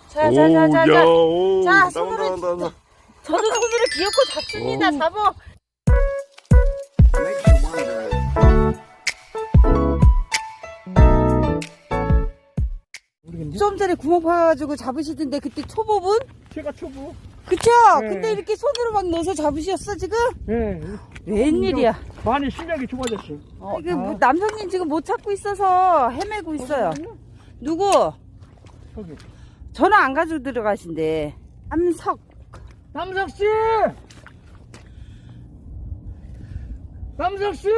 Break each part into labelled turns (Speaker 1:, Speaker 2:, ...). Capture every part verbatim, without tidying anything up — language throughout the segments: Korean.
Speaker 1: 자, 자, 자, 자, 자.
Speaker 2: 오,
Speaker 1: 자,
Speaker 2: 나온다,
Speaker 1: 손으로.
Speaker 2: 나온다, 나온다.
Speaker 1: 저도 손으로 귀엽고 잡습니다.
Speaker 2: 오.
Speaker 1: 잡어. 좀 전에 구멍 파가지고 잡으시던데 그때 초보분?
Speaker 3: 제가 초보.
Speaker 1: 그쵸?
Speaker 3: 네.
Speaker 1: 근데 이렇게 손으로 막 넣어서 잡으셨어 지금?
Speaker 3: 네.
Speaker 1: 웬일이야?
Speaker 3: 많이 실력이 좋아졌어요.
Speaker 1: 어, 이게 뭐 남성님 지금 못 찾고 있어서 헤매고 있어요. 누구?
Speaker 3: 저기.
Speaker 1: 전화 안 가지고 들어가신대. 남석.
Speaker 3: 남석 씨! 남석 씨!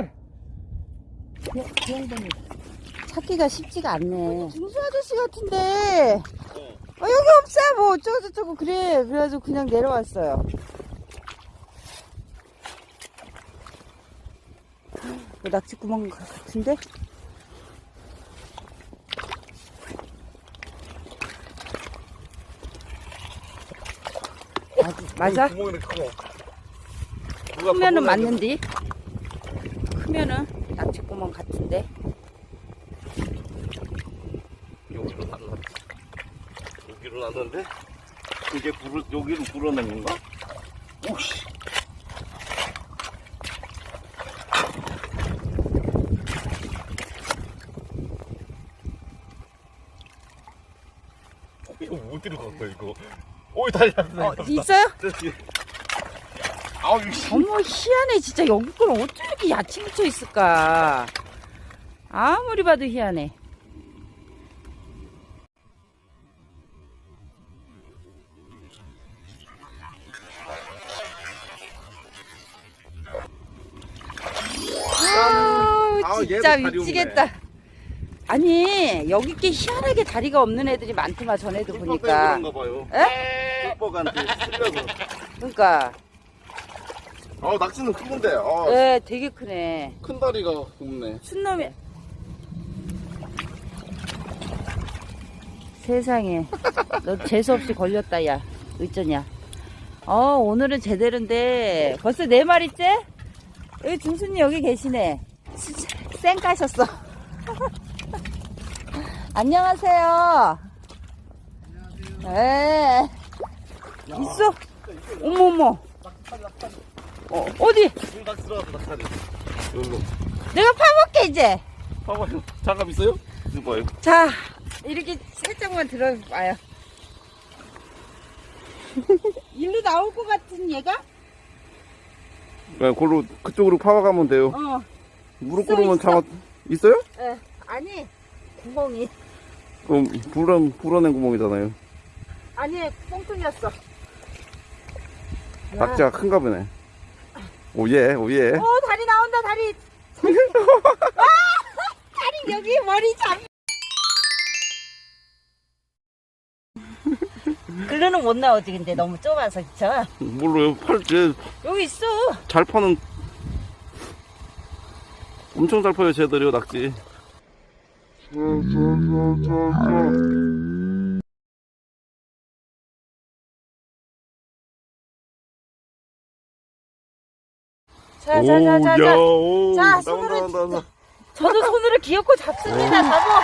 Speaker 1: 찾기가 쉽지가 않네. 중수 아저씨 같은데. 어, 여기 없어. 뭐 어쩌고저쩌고 그래. 그래가지고 그냥 내려왔어요. 뭐 낙지 구멍 같은데? 맞아?
Speaker 2: 구멍이 크고.
Speaker 1: 크면은 맞는디? 크면은 낙지 구멍 같은데?
Speaker 2: 여기로 났는데. 여기로 났는데. 이게 불을 여기로 불어낸 건가? 오씨. 이거 어디로 간 거야 이거? 오이 다리 났네.
Speaker 1: 어, 있어요?
Speaker 2: 아우 씨.
Speaker 1: 어머 희한해 진짜. 여기 걸 어떻게 이렇게 야채 묻혀 있을까? 아무리 봐도 희한해. 아우
Speaker 2: 아우,
Speaker 1: 진짜
Speaker 2: 얘도 다리
Speaker 1: 미치겠다.
Speaker 2: 없네.
Speaker 1: 아니 여기 게 희한하게 다리가 없는 애들이 많더만 전에도 보니까.
Speaker 2: 그런가 봐요.
Speaker 1: 에?
Speaker 2: 꿀뻑한테 쓸려서.
Speaker 1: 그러니까
Speaker 2: 아 낙지는 크건데. 아,
Speaker 1: 예 되게 크네.
Speaker 2: 큰 다리가 없네.
Speaker 1: 순놈이. 세상에 너 재수없이 걸렸다 야. 어쩌냐. 어 오늘은 제대로인데 벌써 네 마리째? 여기 중순이 여기 계시네. 쌩 까셨어. 안녕하세요. 예. 있어? 어머어머. 어, 어디?
Speaker 2: 낙지 들어갔다 낙지. 여기로.
Speaker 1: 내가 파볼게 이제.
Speaker 2: 봐봐요. 장갑 있어요? 이거 봐요.
Speaker 1: 자 이렇게 살짝만 들어봐요. 일로 나올 것 같은 얘가?
Speaker 2: 네, 그걸로 그쪽으로 파가면 돼요.
Speaker 1: 어.
Speaker 2: 무릎
Speaker 1: 있어,
Speaker 2: 꿇으면
Speaker 1: 있어.
Speaker 2: 장갑 있어요?
Speaker 1: 예. 아니 구멍이.
Speaker 2: 그럼 불어 불어낸 구멍이잖아요.
Speaker 1: 아니 뽕통이었어.
Speaker 2: 낙지가 큰가 보네. 오예 오예.
Speaker 1: 어 다리 나온다 다리. 아 다리 여기 머리 잡. 글로는 못 나오지 근데 너무 좁아서 그쵸?
Speaker 2: 몰라요. 팔
Speaker 1: 여기 있어.
Speaker 2: 잘 파는 엄청 잘 파요 쟤들이요 낙지.
Speaker 1: 자자자자자.
Speaker 2: 오,
Speaker 1: 자,
Speaker 2: 나온다,
Speaker 1: 손으로
Speaker 2: 나온다, 나온다.
Speaker 1: 저도 손으로 귀엽고 잡습니다. 잡어.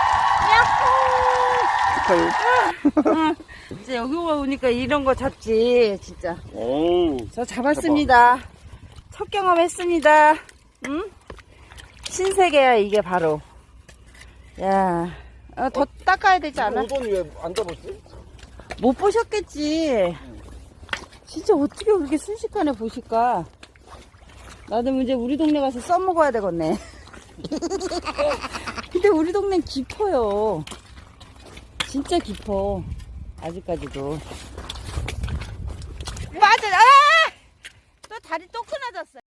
Speaker 1: 야호. 이제 여기 오니까 이런 거 잡지 진짜.
Speaker 2: 오.
Speaker 1: 저 잡았습니다. 첫 경험했습니다. 응? 신세계야 이게 바로. 야, 어, 더 닦아야 되지 않아?
Speaker 2: 오돈이 왜 안 잡았지?
Speaker 1: 못 보셨겠지. 진짜 어떻게 그렇게 순식간에 보실까? 나도 이제 우리 동네 가서 써먹어야 되겠네. 근데 우리 동네는 깊어요. 진짜 깊어. 아직까지도. 맞아. 아! 또 다리 또 끊어졌어.